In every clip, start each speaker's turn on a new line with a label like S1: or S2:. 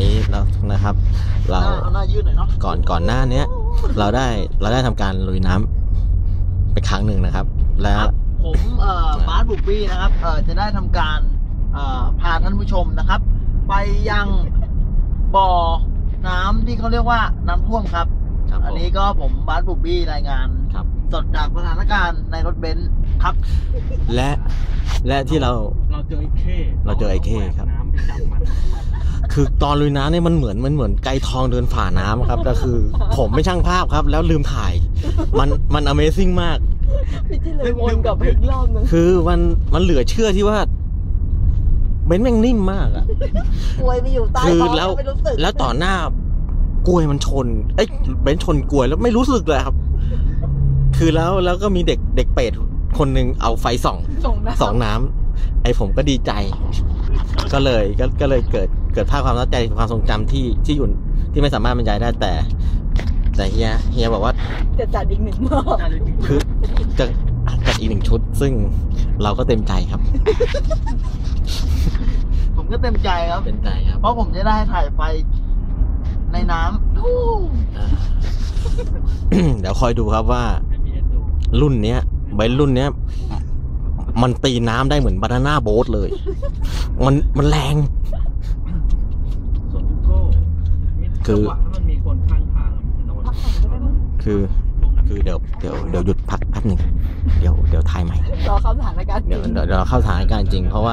S1: นี้เรานะครับเรา
S2: หน้ายืดหน่อยเนาะ
S1: ก่อนหน้านี้เราได้ทำการลุยน้ำไปครั้งหนึ่งนะครับแล้ว
S2: ผมบาสบุกบี้นะครับจะได้ทำการพาท่านผู้ชมนะครับ ไปยังบ่อน้ำที่เขาเรียกว่าน้ำท่วมครับอันนี้ก็ผมบาสบุกบี้รายงานสดจากสถานการณ์ในรถเบนซ์ครับ
S1: และที่เรา
S3: เจอไอ้เข้
S1: ครับคือตอนลุยน้ำเนี่ยมันเหมือนไก่ทองเดินฝ่าน้ำครับแต่คือผมไม่ช่างภาพครับแล้วลืมถ่ายมัน Amazing มาก
S4: พี่ที่เลยวนกลับไปอีกรอบนึง
S1: คือมันเหลือเชื่อที่ว่าเบนซ์แม่งนิ่มมากอ่ะ
S4: กล้วยไปอยู่ใต้ท้องไม่รู้สึก
S1: แล้วต่อหน้ากล้วยมันชนเบนซ์ชนกล้วยแล้วไม่รู้สึกเลยครับคือแล้วก็มีเด็กเป็ดคนหนึ่งเอาไฟส่องน้ำไอ้ผมก็ดีใจก็เลยเกิดภาพความตั้งใจความทรงจำที่อยู่ที่ไม่สามารถบรรยายได้แต่เฮียบอกว่า
S4: จะจัดอีกหนึ่งรอบ
S1: คือจะจัดอีกหนึ่งชุดซึ่งเราก็เต็มใจครับ
S2: ผมก็เต็มใจครับเพราะผมจะได้ถ่ายไฟในน้ำ
S1: เดี๋ยวคอยดูครับว่ารุ่นเนี้ยใบรุ่นเนี้ยมันตีน้ำได้เหมือนบานาน่าโบ๊ทเลยมันแรงคือเดี๋ยวหยุดพักแป๊บนึงเดี๋ยวถ่ายใหม่
S4: รอเข้าสถานการณ์
S1: เดี๋ยวเราเข้าสถานการณ์จริงเพราะ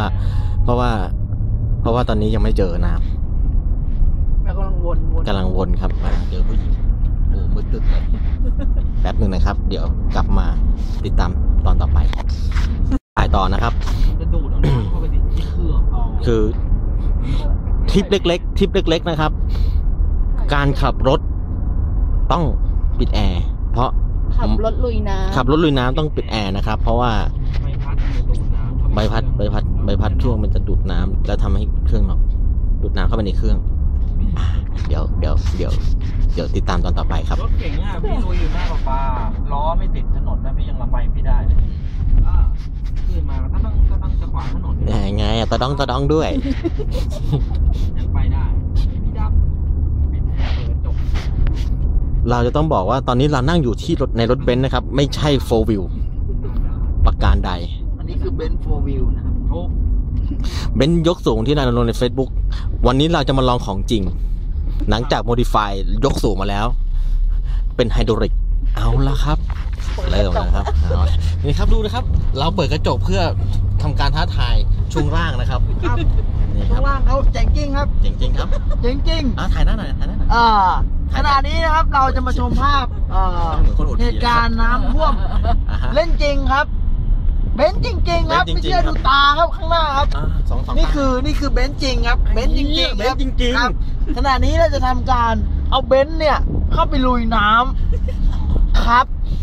S1: ว่าตอนนี้ยังไม่เจอน้
S4: ำกำ
S1: ลังวนครับเจอผู้หญิงโอ้มืดตึ๊ดเลยแป๊บนึงนะครับเดี๋ยวกลับมาติดตามตอนต่อไปถ่ายต่อนะครับ
S3: จะดูดเอาน้ำเข้าไปที่เครื่อง
S1: คือทริปเล็กๆนะครับการขับรถต้องปิดแอร์เพราะ
S4: ขับรถลุยน้
S1: ำต้องปิดแอร์นะครับเพราะว่าใบพัดเครื่องมันจะดูดน้ำแล้วทำให้เครื่องดูดน้ำเข้าไปในเครื่องเดี๋ยวติดตามตอนต่อไปครับ
S3: รถเก่งอ่ะพี่ลุยอยู่หน้าปลาล้อไม่ติดถนนนะพี่ยังระบายพี่ได้เลยขึ้นมาก็ต้องจะขวางถนน
S1: ไงตะดองด้วย
S3: ยังไปได้พี่ดับปิดแอร์เปิดจบ
S1: เราจะต้องบอกว่าตอนนี้เรานั่งอยู่ที่ในรถเบนซ์นะครับไม่ใช่4 wheel ประการใด
S2: อันนี้คือเบนซ์4 wheel นะครับ
S1: เบนซ์ยกสูงที่นายลงใน Facebook วันนี้เราจะมาลองของจริงหลังจากโมดิฟายยกสูงมาแล้วเป็นไฮดรอลิกเอาละครับเริ่มแล้วครับนี่ครับดูนะครับเราเปิดกระจกเพื่อทำการท้าทายช่วงล่างนะครับ
S2: นี่ช่วงล่างเขาเจ๋งจริงครับ
S1: เจ๋งจริงครับ
S2: เจ๋งจริง
S1: ถ่ายหน้าหน่อย
S2: ขณะนี้นะครับเราจะมาชมภาพเหตุการณ์น้ำท่วมเล่นจริงครับเบนซ์จริงๆครับไม่เชื่อดูตาครับข้างหน้าครับนี่คือเบนซ์จริงครับเบนซ์จริงครับขณะนี้เราจะทำการเอาเบนซ์เนี่ยเข้าไปลุยน้ำครับ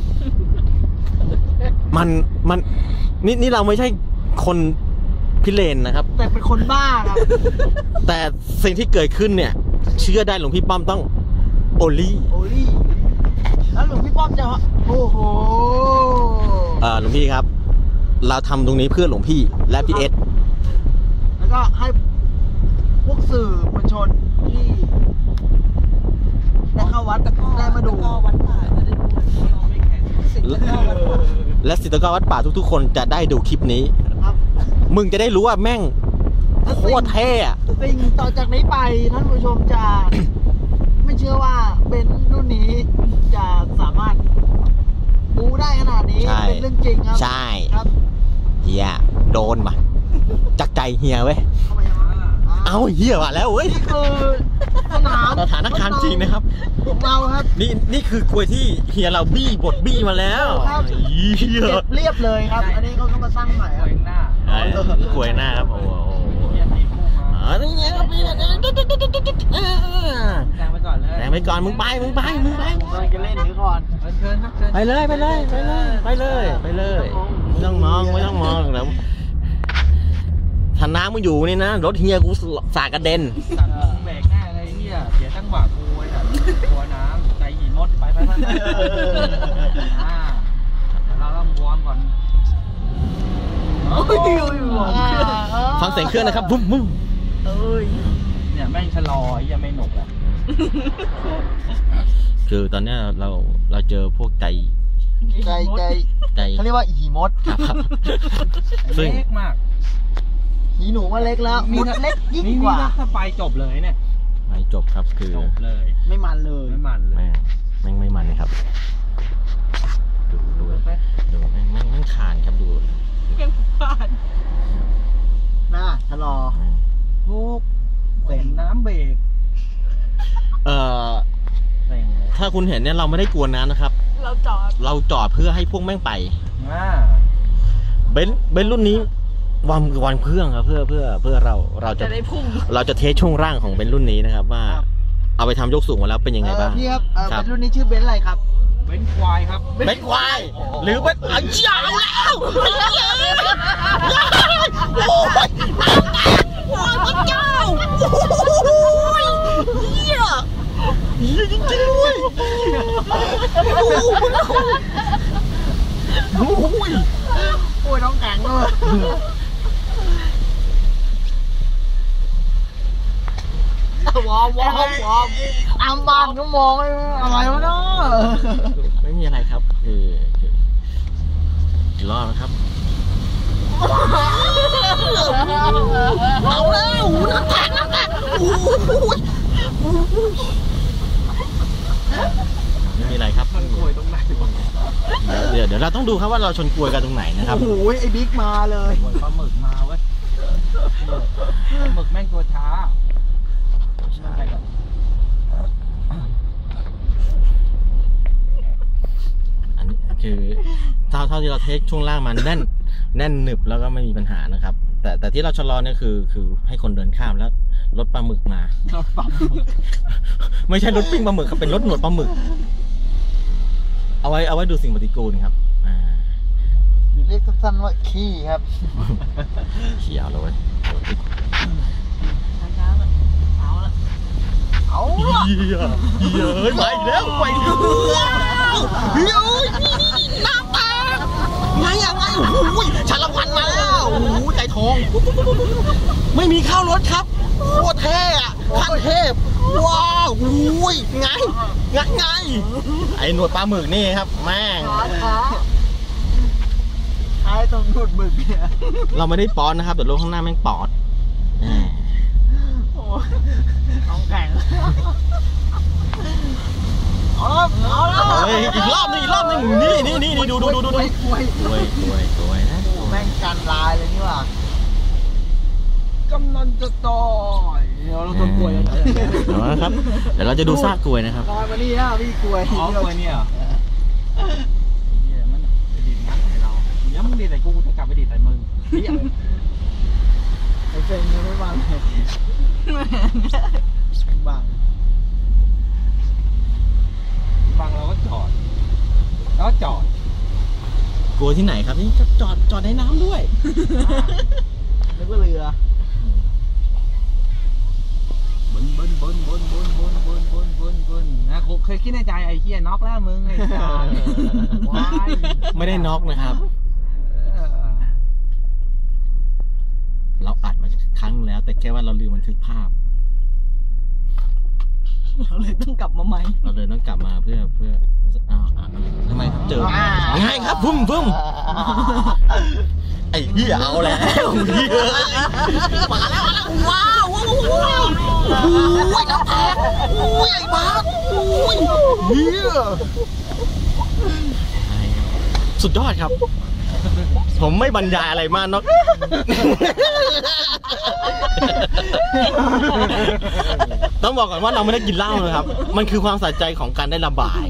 S1: มันนี่เราไม่ใช่คนพิเรนนะครับ
S2: แต่เป็นคนบ้าครับ
S1: แต่สิ่งที่เกิดขึ้นเนี่ยเชื่อได้หลวงพี่ป้อมต้องโอลี่
S2: แล้วหลวงพี่ป้อมจะโอ้โห
S1: หลวงพี่ครับเราทำตรงนี้เพื่อหลวงพี่และพี่เอส
S2: แล้วก็ให้พวกสื่อมวลชนที่ได้เข้าวัดได้มาดู
S4: วัดป่าจะได้ดู
S1: และศิษย์วัดป่าทุกๆคนจะได้ดูคลิปนี้มึงจะได้รู้ว่าแม่งโคตรเท่อะ
S2: สิ่งต่อจากนี้ไปท่านผู้ชมจะไม่เชื่อว่าเป็นรุ่นนี้จะสามารถบูได้ขนาดนี้เป็นเรื่องจริงครับ
S1: ใช่ครับเฮียโดนมาจักใจเฮียเว้ยเอาเฮียมาแล้วเว้ย
S2: นี่คือ
S1: สถานการณ์จริงนะครับ
S2: ของเราครับ
S1: นี่คือกล้วยที่เฮียเราบดบี้มาแล้ว
S2: เก็บเรียบเลยครับอันนี้เขาก็มาสร้างใหม่ครับ
S1: กล้วยหน้าครับโอ้โหนี่ไงครับ
S3: แซงไปก่อนเลย
S1: แซงไปก่อนมึงไป
S2: จะเล่นหรือก่อน
S1: ไปเลยไม่ต้องมองแล้วถ้าน้ำมึงอยู่นี่นะรถเฮียกูสากระเด็น
S3: เบรกแน่เลยเฮียเสียจังหวะกูไอ้แบบกลัวน้ำใจหินมดไปเราต้องวอร์มก่อน
S1: ฟังเสียงเครื่องนะครับบุ้ม
S3: เนี่ยแม่งชะลอยังไม่หนุกแล้ว
S1: คือตอนเนี้ยเราเจอพวกใจ
S2: เขาเรียกว่าหีมด
S1: ครับซึ่ง
S3: เล็กมาก
S2: หีหนูว่าเล็กแล้วมดเล็กยิ่งกว่า
S3: ถ้าไปจบเลยเนี่ย
S1: ไม่จบครับคือ
S3: จบเลย
S2: ไม่มันเลย
S3: ไม่มันเลย
S1: แม่งไม่มันเลยครับดูแม่งคานครับดู
S4: ยังผ่าน
S2: น่าชะลอ
S3: ทุกเสียงน้ำเบรกเสียงเลย
S1: ถ้าคุณเห็นเนี่ยเราไม่ได้กวนน้ำนะครับ
S4: เราจอด
S1: เพื่อให้พวกแม่งไป เบนซ์รุ่นนี้วันเครื่องครับเพื่อเราจะ
S4: ได้พุ่ง
S1: เราจะเทสช่วงร่างของเบนซ์รุ่นนี้นะครับว่า เอาไปทำยกสูงมาแล้วเป็นยังไงบ้าง
S2: พี่ครับ
S1: ครับ
S2: เป็นรุ่นนี้ชื่อเบนซ์อะไรครับ
S3: เบนซ์ควายครับ
S1: เบนซ์ควายหรือเบนซ์เอาเจ้าแล้วโอ้ยพระเจ้าโอ้ยเหี้ยจริงๆด้วยโอ้ย
S2: น้องแข็งเลยวอร์มอัมบานก็มองอะไรวะเนาะ
S1: ไม่มีอะไรครับคือรอดนะครับเอาแล้วน้ำแข็งไม่มีอะไรครับ
S3: มันกลวยตรงไหนวะ
S1: เดี๋ยวเราต้องดูครับว่าเราชนกลวยกันตรงไหนนะครับ
S2: โอ้โหไอ้บิ๊กมาเลย
S3: กลวยปลาหมึกมาเว้ยปลาหมึกแม่งตัวช้าอะไรก่อน
S1: อันนี้คือเท่าที่เราเทคช่วงล่างมันแน่นหนึบแล้วก็ไม่มีปัญหานะครับ แต่ที่เราชะลอเนี่ยคือให้คนเดินข้ามแล้วรถปลาหมึกมา
S3: รถปั๊ม
S1: ไม่ใช่รถปิ้งปลาหมึกครับเป็นรถหนวดปลาหมึก เอาไว้ดูสิ่งปฏิกูลครับ
S2: หรือเรียกสั้นๆว่าขี้ครับ
S1: เขียวเลย
S4: ช้าๆเอาละ
S2: เอา
S1: เฮียเฮ้ยไปแล้วเฮ้ยน้ำตาไงโอ้ยชาละวันมาแล้วโอ้ยใจทองไม่มีข้าวรถครับโคตรเท่อะขั้นเทพว้าวโอ้ยไงไอ้หนวดปลาหมึกนี่ครับแม่ง
S2: ท้ายตรงหนวดหมึกเนี่ย
S1: เราไม่ได้ป้อนนะครับแต่รถข้างหน้าแม่งปอด
S2: โอ้น้องแข็งเอาแล้ว
S1: เฮ้ยอีกรอบนึงนี่ดู
S2: กล้วย
S1: นะ
S2: แม่งกันลายเลยนี่ว่ะกำลังจะต่อยเราต้นกล้วยแล้ว
S1: นะครับเดี๋ยวเราจะดูซากกล้วยนะครับ
S2: ลอยมานี่นะพี่กล้วย
S3: อ๋อกลวยเนี่ยเหรอมันจะดีดงั้นให้เราเดี๋ยวมึงดีดใส่กูจะกลับไปดีดใส่มึง
S2: ไอ้เฟนยังไม่วางเลยบัง
S3: เราก็จอดแล้วจอด
S1: กลัวที่ไหนครับนี่จอดในน้ำด้วย
S2: นึกว่าเรือ
S3: บนนะกูเคยคิดในใจไอ้เหี้ยน็อกแล้วมึงไอ้จ่า
S1: ไม่ได้น็อกนะครับ เราอัดมาครั้งแล้วแต่แค่ว่าเราลืมบันทึกภาพ
S4: เราเลยต้องกลับมาใหม่
S1: เราเลยต้องกลับมาเพื่อทำไมเจอง่ายครับพุ่มไอ้เหี้ยเอาแล้วเหี้ยมาแล้วว้าวน้ำแข็งไอ้บ้าเหี้ยสุดยอดครับ ผมไม่บรรยายอะไรมากนอกต้องบอกก่อนว่าเราไม่ได้กินเหล้านะครับ มันคือความสะใจของการได้ระบาย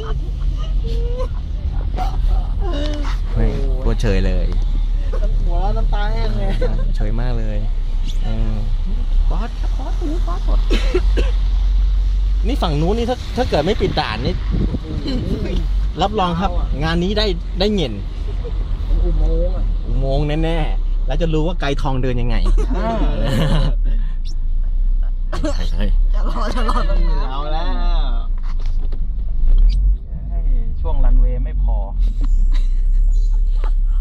S1: ปวดเฉยเลย
S2: หัวแล้วน้ำตาแห้งเลย
S1: เฉยมากเลยบอสหมดนี่ฝั่งนู้นนี่ถ้าเกิดไม่ปิดด่านนี่รับรองครับ งานนี้ได้เงินอุโมงค์แน่ๆแล้วจะรู้ว่าไกลทองเดินยังไง
S4: จะรอ
S2: เอาแล้ว
S3: ช่วงรันเวย์ไม่พอ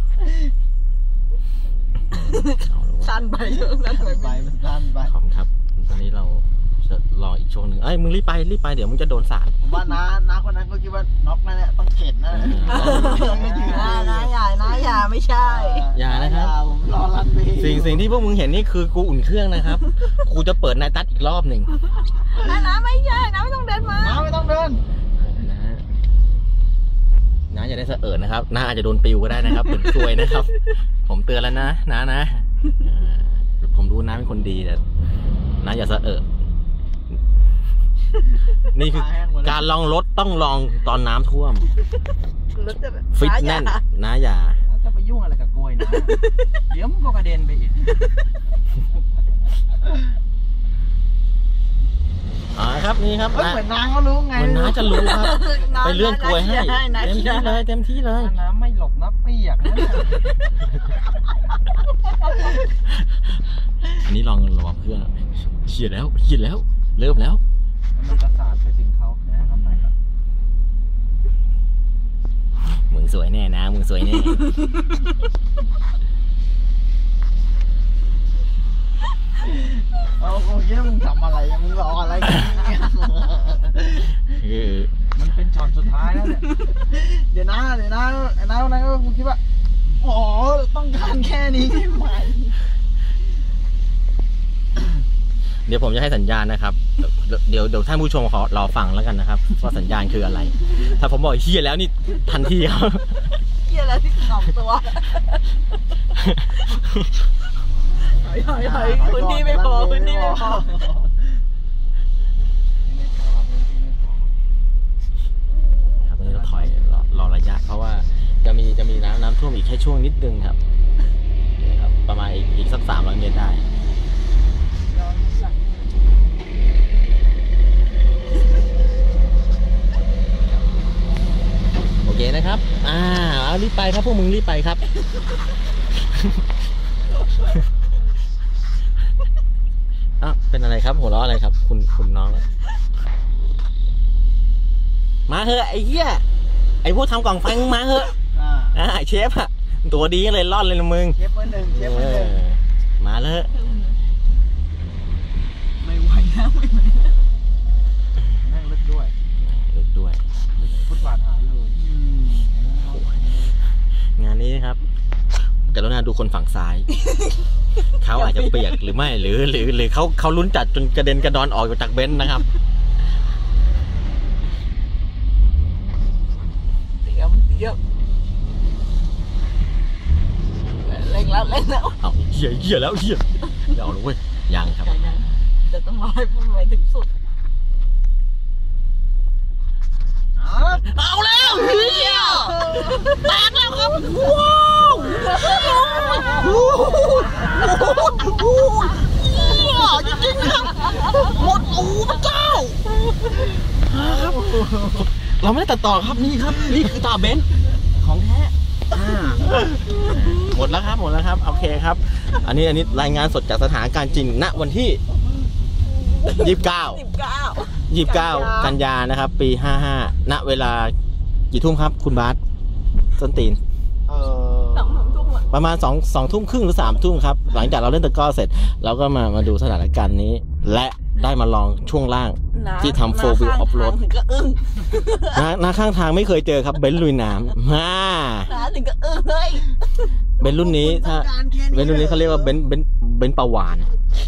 S4: สั้นไปเยอะสั้นไป
S2: มันสั้นไป
S1: ขอบคุณครับตอนนี้เราจะรออีกช่วงหนึ่งมึงรีบไปเดี๋ยวมึงจะโดนสาด
S2: ผมว่าน้าคนนั้นเขาคิดว่าน็อกนั่นแหละต้องเข็นนะไม่ยืน
S4: น้าอย่าไม่ใช่
S1: อย่านะครับ
S2: ผมรอรันเวย์
S1: สิ่งที่พวกมึงเห็นนี่คือกูอุ่นเครื่องนะครับ กูจะเปิดนายตัดอีกรอบหนึ่ง
S4: น้าไม่ใช่น้าไม่ต้องเดินมา
S2: น้าไม่ต้องเดิน
S1: น้าอย่าได้สะเอิดนะครับน้าอาจจะโดนปิวก็ได้นะครับเป็นซวยนะครับ ผมเตือนแล้วนะผมรู้น้าเป็นคนดีแต่น้าอย่าสะเอิดนี่คือการลองรถต้องลองตอนน้ำท่วม
S4: รถจะแบบ
S1: ฟิตแน่นน้าอย่า
S3: จะไปยุ่งอะไรกับกล้วยนะ เดี๋ยวมันก็กระเด็นไปอีก
S1: ครับนี่ครับ
S2: เหมือนน้าเขารู้ไง
S1: เหมือนน้าจะรู้ครับไปเลื่อนกลวยให้เต็มที่เลย
S3: น้ำไม่หลบน้ำเปียกนะ
S1: อันนี้ลองระวังเพื่อนเฉียดแล้วเริ่มแล้ว
S3: มันจะสาดไปถึงเขานะเข้าไปครับ
S1: มึงสวยแน่นะมึงสวยแน่
S2: ผมคิดว่ามึงทำอะไรมึงรออะไรกันเนี่ย
S3: มันเป็นช็อตสุดท้ายแล้วเนี่ย
S2: เดี๋ยวนะคนนั้นก็คงคิดว่าอ๋อต้องการแค่นี้ใช่ไหม
S1: เดี๋ยวผมจะให้สัญญาณนะครับ เดี๋ยวท่านผู้ชมขอรอฟังแล้วกันนะครับว่าสัญญาณคืออะไร ถ้าผมบอกเฮียแล้วนี่ทันทีครับ
S4: เกี่ยแล้วที่2 ตัวถอยพื้นที่ไม่พอ
S1: ครับตอนนี้เราถอยรอระยะเพราะว่าจะมีน้ำท่วมอีกแค่ช่วงนิดนึงครับนี่ครับประมาณอีกสัก300 เมตรได้โอเคนะครับเอารีบไปครับพวกมึงรีบไปครับ เป็นอะไรครับหัวเราะอะไรครับคุณน้องมาเถอะไอ้เหี้ยไอ้พวกทำกล่องไฟมึงมาเถอะเชฟอะตัวดีเลยรอดเลยนะมึง
S2: เชฟเบอร์หนึ่ง
S1: มาเลย
S4: ไม่ไหวแล้ว
S3: แม่งลึกด้วย ฟุตบาทหายเลย
S1: งานนี้นะครับกรุณาดูคนฝั่งซ้าย เขาอาจจะเปียกหรือไม่หรือเขาลุ้นจัดจนกระเด็นกระดอนออกจากเบนซ์นะครับ
S4: เตรียมเร่งแล้ว
S1: เอาเหี้ยแล้วเดี๋ยวเอาเลยเว้ยยังครับ
S4: จะต้องรอให้ไปถึงสุดเอาแล้วเฮียแตกแล้วครับว้าวจริงๆครับหมดอูพระเจ้า
S1: ครับเราไม่ได้ตัดต่อครับนี่คือตาเบนซ์ของแท้หมดแล้วครับโอเคครับอันนี้รายงานสดจากสถานการณ์จริงณวันที่29 กันยานะครับปี55ณเวลากี่ทุ่มครับคุณบาสส้นตีนประมาณ2 ทุ่มครึ่งหรือ3 ทุ่มครับหลังจากเราเล่นตะกร้อเสร็จเราก็มาดูสถานการณ์นี้และได้มาลองช่วงล่างที่ทำ4 wheel off road
S4: ถึงก็อึ้ง
S1: หน้าข้างทางไม่เคยเจอครับเบนซ์ลุยน้ำ
S4: ถึงก็อึ้งเลย
S1: เบนซ์รุ่นนี้เขาเรียกว่าเบนซ์ปลาวาน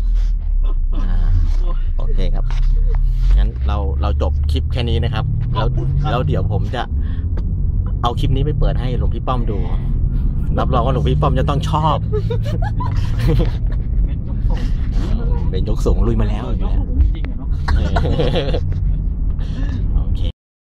S1: โอเคครับงั้นเราจบคลิปแค่นี้นะครับแล้วเดี๋ยวผมจะเอาคลิปนี้ไปเปิดให้หลวงพี่ป้อมดูรับรองว่าหลวงพี่ป้อมจะต้องชอบเป็นยกสูงลุยมาแล้วอยู่แล้ว
S3: จริงๆอะเนาะ